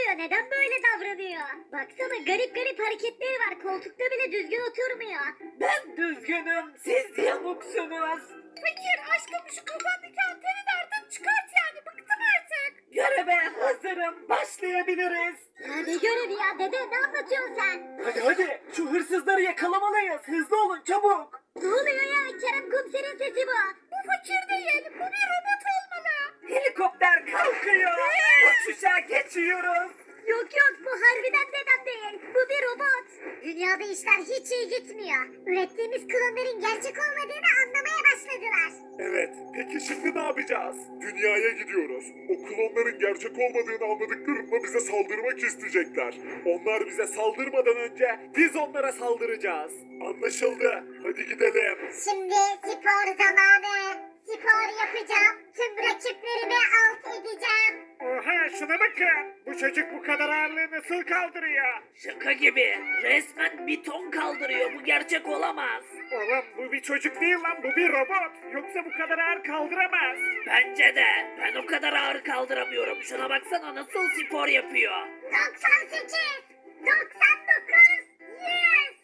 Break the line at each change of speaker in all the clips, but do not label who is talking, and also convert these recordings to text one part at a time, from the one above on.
oluyor? Neden böyle davranıyor? Baksana garip garip hareketleri var. Koltukta bile düzgün oturmuyor.
Ben düzgünüm, siz yamuksunuz.
Fakir aşkım şu kafandaki anteni de artık çıkart yani bıktım artık.
Göreve hazırım, başlayabiliriz.
Ya ne görevi ya dede, ne anlatıyorsun sen?
Hadi hadi, şu hırsızları yakalamalıyız. Hızlı olun çabuk.
Ne oluyor ya? Kerem komiserin sesi bu.
Bu fakir değil bu bir robot olmalı.
Helikopter kalkıyor. Uçuşa geçiyoruz.
Yok yok, bu harbiden dedem değil. Bu bir robot. Dünyada işler hiç iyi gitmiyor. Ürettiğimiz klonların gerçek olmadığını anlamaya başladılar.
Evet, peki şimdi ne yapacağız? Dünyaya gidiyoruz. O klonların gerçek olmadığını anladıklarında bize saldırmak isteyecekler.
Onlar bize saldırmadan önce biz onlara saldıracağız.
Anlaşıldı. Hadi gidelim.
Şimdi spor zamanı. Spor yapacağım. Tüm rakiplerimi alt edeceğim.
Oha şuna bakın. Bu çocuk bu kadar ağırlığı nasıl kaldırıyor?
Şaka gibi. Resmen bir ton kaldırıyor. Bu gerçek olamaz.
Oğlum bu bir çocuk değil lan bu bir robot. Yoksa bu kadar ağır kaldıramaz.
Bence de. Ben o kadar ağır kaldıramıyorum. Şuna baksana nasıl spor yapıyor.
98, 99, 100.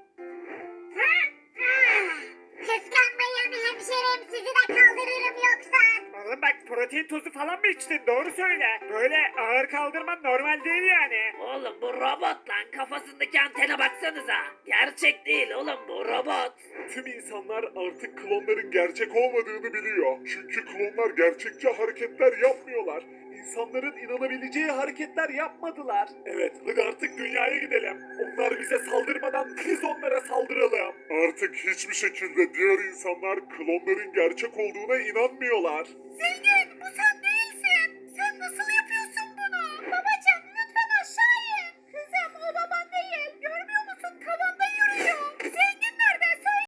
Kıskanmayın hemşerim, sizi de kaldırırım yoksa.
Oğlum bak protein tozu falan mı içtin doğru söyle. Böyle ağır kaldırman normal değil yani.
Oğlum bu robot lan. Kafasındaki antene baksanıza. Gerçek değil oğlum bu robot.
Tüm insanlar artık klonların gerçek olmadığını biliyor. Çünkü klonlar gerçekçi hareketler yapmıyorlar.
İnsanların inanabileceği hareketler yapmadılar.
Evet, hadi artık dünyaya gidelim. Onlar bize saldırmadan biz onlara saldıralım. Artık hiçbir şekilde diğer insanlar klonların gerçek olduğuna inanmıyorlar.
Zengin bu sen ne